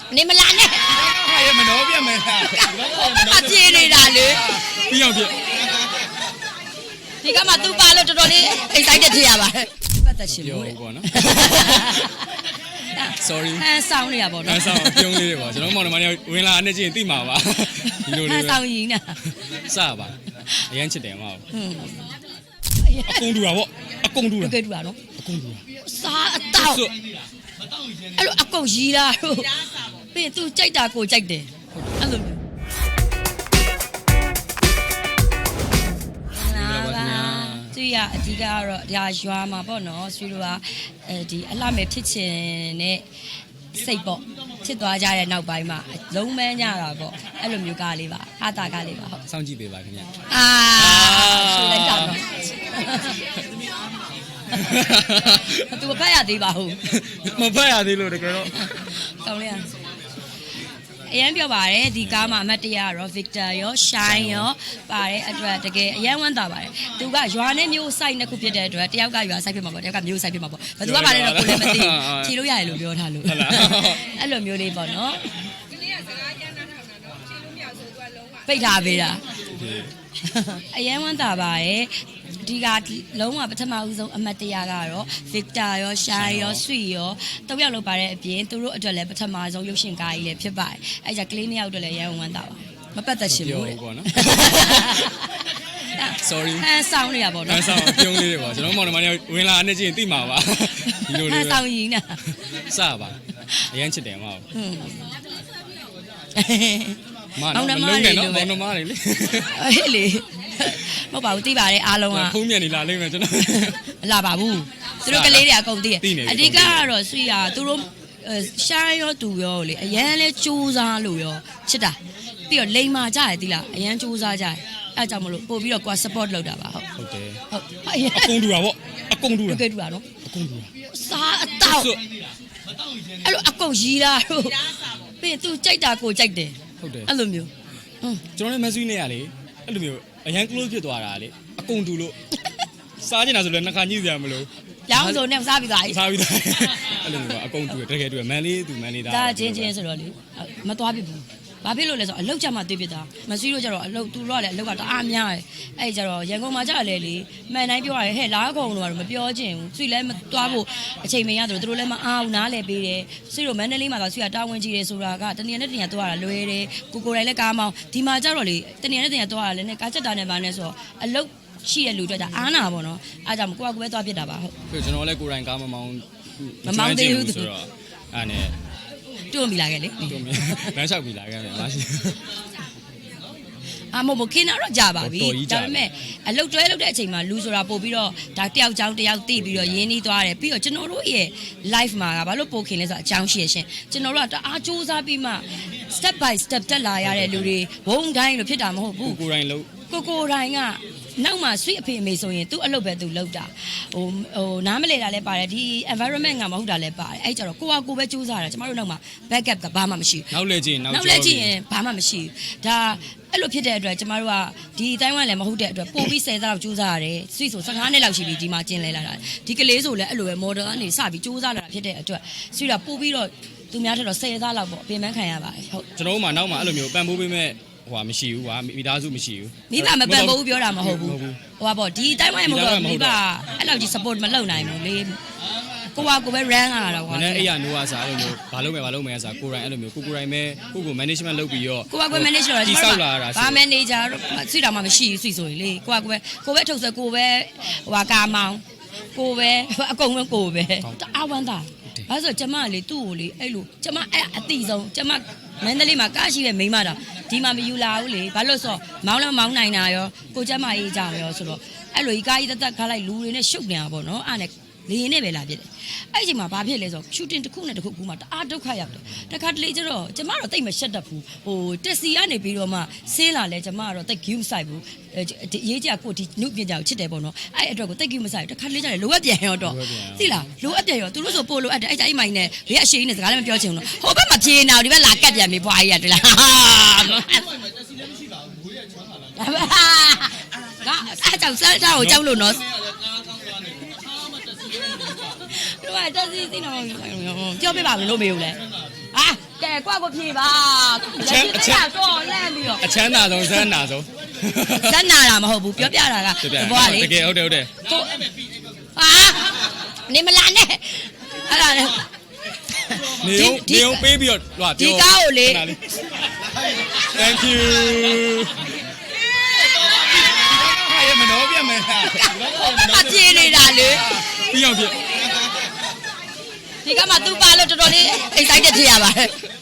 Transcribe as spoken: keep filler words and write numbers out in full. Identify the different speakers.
Speaker 1: နေမလာနဲ့
Speaker 2: ဟာရမနှောပြမယ်
Speaker 1: အပြေးနေတာလေ
Speaker 2: ပြီးအောင်ပြ
Speaker 1: ဒီကမှသူ့ပါလို့တော်တော်လေးအိတ်ဆိုင်တက်ဖြစ်ရပါတယ်ပတ်သက်ရှင်လို့
Speaker 2: ပေါ့နော် sorry
Speaker 1: ဟန်ဆောင်နေရပါတော့
Speaker 2: ဟန်ဆောင်ပြုံးလေးတွေပါကျွန်တော်မောင်နှမတွေဝင်လာအနေချင်းသိမှာပါဒီလိုလေး
Speaker 1: ဟန်ဆောင်ရင်းနာ
Speaker 2: စပါအရန်ချစ်တယ်မဟုတ်အကုန်တူတာပေါ့အကုန်တူတာ
Speaker 1: ကဲတူတာနော်
Speaker 2: အကုန်တူတာ
Speaker 1: စားအတော့အဲ့လိုအကုန်ရီးတာတို့ပြီးသူကြိုက်တာကိုကြိုက်တယ်အဲ့လိုသူရအဓိကကတော့ဒါရွာမှာပေါ့နော်ဆွေတို့ကအဲဒီအလှမဲ့ဖြစ်ချင်တဲ့စိတ်ပေါ့ဖြစ်သွားကြတဲ့နောက်ပိုင်းမှာလုံးမန်းကြတာပေါ့အဲ့လိုမျိုးကားလေးပါဟာတာကားလေးပါဟုတ်
Speaker 2: စောင့်ကြည့်ပေးပါခင်ဗျာ
Speaker 1: အာဆွေလိုက်တာတော့သူမဖတ်ရသေးပါဘူး
Speaker 2: မဖတ်ရသေးလို့တကယ်တော့
Speaker 1: ကောင်းလေးအရန်ပြောပါတယ်ဒီကားမှာအမတ်တရရော Victor ရော Shine ရောပါတယ်အတွက်တကယ်အရန်ဝမ်းသာပါတယ်သူကရွာနဲ့မျိုးစိုက်နှစ်ခုဖြစ်တဲ့အတွက်တယောက်ကရွာစိုက်ဖြစ်မှာပေါ့တယောက်ကမျိုးစိုက်ဖြစ်မှာပေါ့ဘယ်သူကပါလဲတော့ကိုလည်းမသိဖြေလို့ရတယ်လို့ပြောထားလို့အဲ့လိုမျိုးလေးပေါ့နော်ဒီနေ့ကစကားရန်နာထောင်တာတော့ဖြေလို့မရဆိုသူကလုံးဝပိတ်ထားပေးတာအရန်ဝမ်းသာပါတယ်ဒီကလုံးဝပထမဦးဆုံးအမတ်တရကတော့ Victor ရော Shine ရော Sweet ရောတောက်ရောက်လောက်ပါတဲ့အပြင်သူတို့အတွက်လည်းပထမဆုံးရုပ်ရှင်ကားကြီးလည်းဖြစ်ပါတယ်အဲကြကလေးနှစ်ယောက်အတွက်လည်းရန်ဝမ်းသာပါမပတ်သက်ရှင်ဘူး
Speaker 2: ပေါ့နော် sorry
Speaker 1: ဟန်ဆောင်နေရပါတော့
Speaker 2: ဟန်ဆောင်ပြုံးလေးတွေပါကျွန်တော်မောင်နှမတွေဝင်လာအနေချင်းသိမှာပါဒီလိုလေး
Speaker 1: ဟန်ဆောင်ရင်းနာ
Speaker 2: စပါအရန်ချစ်တယ်မဟုတ်မ
Speaker 1: နော်
Speaker 2: မလုံးနဲ့နော်မောင်နှမတွေလေ
Speaker 1: ဟဲ့လေမဟုတ်ပါဘူးသိပါတယ်အားလုံးက
Speaker 2: ဖုံးမြက်နေလာလိမ့်မယ်ကျွန်တော်
Speaker 1: မလာပါဘူးသူတို့ကလေးတွေအကုန်သိတယ်အဓိကကတော့ဆွေရသူတို့ရှားရောသူရောလေအရန်လဲစူးစားလို့ရောချစ်တာပြီးတော့လိန်မာကြရသီးလားအရန်စူးစားကြရအဲကြောင့်မလို့ပို့ပြီးတော့ကွာ support လုပ်တာပါဟုတ်
Speaker 2: ဟုတ်တယ်
Speaker 1: ဟုတ်
Speaker 2: အကုန်တူတာပေါ့အကုန်တူတာ
Speaker 1: ကဲတူတာနော်
Speaker 2: အကုန်တူတာ
Speaker 1: စားအတော့အဲ့လိုအကုန်ရီးတာတို့ပြီးသူကြိုက်တာကိုကြိုက်တယ်
Speaker 2: ဟုတ်တယ်
Speaker 1: အဲ့လိုမျိုး
Speaker 2: ကျွန်တော်လည်းမဆွေးနေရလေအဲ့လိုမျိုးအရန် close ဖြစ်သွားတာလေအကုန်တူလို့စားကျင်တာဆိုလည်းနှခါညှိစရာမလို
Speaker 1: ရောင်းဆိုနဲ့စားပြီးသွားပြီ
Speaker 2: စားပြီးသွားအဲ့လိုမျိုးအကုန်တူတကယ်တူမန်လေးသူမန်လေးသား
Speaker 1: ဒါချင်းချင်းဆိုတော့လေမသွားပြဘူးဘာဖြစ်လို့လဲဆိုတော့အလောက်ကြမှာတွေ့ပြတာမဆွေးလို့ကြတော့အလောက်သူတို့ကလည်းအလောက်ကတအားများတယ်အဲ့ကြတော့ရန်ကုန်မှာကြတယ်လေမှန်တိုင်းပြောရတယ်ဟဲ့လားကုန်လို့ကတော့မပြောချင်ဘူးဆွေးလည်းမသွားဖို့အချိန်မရတော့သူတို့လည်းမအားဘူးနားလည်းပေးတယ်ဆွေးတို့မန္တလေးမှာကဆွေးကတာဝန်ကြီးတယ်ဆိုတာကတနေရာနဲ့တနေရာသွားတာလွယ်တယ်ကိုကိုတိုင်းလည်းကားမောင်းဒီမှာကြတော့လေတနေရာနဲ့တနေရာသွားတာလည်းနဲ့ကားချက်တာနဲ့ပါနဲ့ဆိုတော့အလောက်ရှိတဲ့လူတွေကြအားနာပါတော့အားကြောင့်ကိုကကိုပဲသွားပြစ်တာပါဟုတ်
Speaker 2: ပြီးကျွန်တော်လည်းကိုယ်တိုင်ကားမမောင်း
Speaker 1: မမောင်းသေးဘူး
Speaker 2: ဆိုတော့အဲ့နဲ့
Speaker 1: တွန်းမိလာခဲ့လေ
Speaker 2: တွန်းမိလမ်းလျှောက်မိလာခဲ့တယ်မရှိ
Speaker 1: အမမခင်းတော့ကြာပါပြီဒါပေမဲ့အလုတ်တွဲလုပ်တဲ့အချိန်မှာလူဆိုတာပို့ပြီးတော့ဒါတယောက်ချောင်းတယောက်တိပြီးတော့ရင်းနှီးသွားတယ်ပြီးတော့ကျွန်တော်တို့ရဲ့ live မှာကဘာလို့ပို့ခင်လဲဆိုတော့အကြောင်းရှိရရှင်ကျွန်တော်တို့ကတအားစူးစမ်းပြီးမှ step by step တက်လာရတဲ့လူတွေဘုံတိုင်းလို့ဖြစ်တာမဟုတ်ဘူး
Speaker 2: ကိုကိုတိုင်းလို့
Speaker 1: ကိုကိုတိုင်းကနောက်မှာ sweet အဖေအမေဆိုရင်သူ့အလုပ်ပဲသူလုပ်တာဟိုဟိုနားမလဲတာလည်းပါတယ်ဒီ environment ကမဟုတ်တာလည်းပါတယ်အဲ့ကြတော့ကိုကကိုပဲစူးစမ်းတာကျမတို့နောက်မှာ backup ကဘာမှမရှိ
Speaker 2: ဘူးနောက်လဲကြည့်
Speaker 1: နောက်လဲကြည့်ရင်ဘာမှမရှိဘူးဒါအဲ့လိုဖြစ်တဲ့အတွက်ကျမတို့ကဒီအတိုင်းဝိုင်းလည်းမဟုတ်တဲ့အတွက်ပို့ပြီးဆယ်သားလောက်စူးစမ်းရတယ်ဆွေဆိုဆယ်ငါးနှစ်လောက်ရှိပြီဒီမှာကျင်းလဲလာတာဒီကလေးဆိုလည်းအဲ့လိုပဲ model ကနေစပြီးစူးစမ်းလာတာဖြစ်တဲ့အတွက်ဆွေကပို့ပြီးတော့သူများထက်တော့ဆယ်သားလောက်ပေါ့ပြင်ပန်းခံရပါတယ်ဟုတ်
Speaker 2: ကျွန်တော်တို့မှနောက်မှာအဲ့လိုမျိုးပံ့ပိုးပေးမဲ့ဟိုမရှိဘူးကွာမိသားစုမရှိဘူး
Speaker 1: မိဘမပံ့ပိုးဘူးပြောတာမဟုတ်ဘူးဟိုပါပေါ့ဒီအတိုင်းဝိုင်းမဟုတ်တော့မိဘအဲ့လောက်ကြီး support မလုပ်နိုင်ဘူးလေကိုကကိုပဲ run ရတာကွာ
Speaker 2: နည်းအဲ့ရနိုးရစားအဲ့လိုမျိုးဘာလုပ်မယ်ဘာလုပ်မယ်ဆိုကိုယ်တိုင်အဲ့လိုမျိုးကိုကိုယ်တိုင်ပဲကိုကို management လုပ်ပြီးတော့
Speaker 1: ကိုကကို manage လုပ်
Speaker 2: တာဒီဆောက်လာတာ
Speaker 1: ဘာ manager ဆွေတာမှမရှိဘူးဆွေဆိုရင်လေကိုကကိုပဲကိုပဲထုတ်စကိုပဲဟိုဟာကာမောင်ကိုပဲအကုန်လုံးကိုပဲတအားဝမ်းသာဘာလို့ဆိုကျမလေသူ့ကိုလေအဲ့လိုကျမအဲ့အတိဆုံးကျမမန္တလေးမှာကားရှိတဲ့မိန်းမတော်ဒီမှာမယူလာဘူးလေဘာလို့ဆိုမောင်းလည်းမောင်းနိုင်တာရောကိုကျမအေးကြရောဆိုတော့အဲ့လိုကြီးကားကြီးတက်တက်ခါလိုက်လူတွေနဲ့ရှုပ်နေတာပေါ့နော်အဲ့နဲ့လေရင်နဲ့ပဲလာဖြစ်တယ်အဲ့ဒီချိန်မှာဘာဖြစ်လဲဆိုတော့ shooting တစ်ခုနဲ့တစ်ခုကူမှတအားဒုက္ခရောက်တယ်တခါတလေကျတော့ကျမတော့တိတ်မရှက်တတ်ဘူးဟိုတက်စီကနေပြီးတော့မှဆင်းလာလဲကျမကတော့တိတ် give ဆိုင်ဘူးရေးကြကိုဒီနုပညာကိုချစ်တယ်ပေါ့နော်အဲ့အတွက်ကိုတိတ် give မဆိုင်ဘူးတခါတလေကျတယ်လိုအပ်ပြန်ရောတော့သိလားလိုအပ်ပြန်ရောသူတို့ဆိုပို့လိုအပ်တယ်အဲ့အဲ့မိုင်းနဲ့ဘေးအရှိန်နဲ့စကားလည်းမပြောချင်ဘူးနော်ဟိုဘက်မှာပြေးနေအောင်ဒီဘက်လာကတ်ပြန်ပြီဘွားကြီးရတယ်လားကအဲ့ကြောင့်စားတာကိုကြောက်လို့နော်တို့ကတက်စီသိတော့ပြောပြပါမလို့မေးဘူးလေဟာကဲကွာကိုဖြေပါလက်ရှိတက်တော့လန့်ပြီးတော့
Speaker 2: အချမ်းသာဆုံးဇန်းနာဆုံး
Speaker 1: ဇက်နာတာမဟုတ်ဘူးပြောပြတာကဘောကလေ
Speaker 2: တကယ်ဟုတ်တယ်ဟုတ်တယ်
Speaker 1: ကိုဟာနေမလာနဲ့အဲ့ဒါလေ
Speaker 2: နေုံနေုံပေးပြီးတော့ဟို
Speaker 1: ဒီကားကိုလေ
Speaker 2: Thank you ဟာရမနောပြမယ်ဟာ
Speaker 1: အပြေးနေတာလေ
Speaker 2: ပြီးအောင်ပြ
Speaker 1: ဒီကမှသူ့ပါလို့တော်တော်လေး excited ဖြစ်ရပါတယ်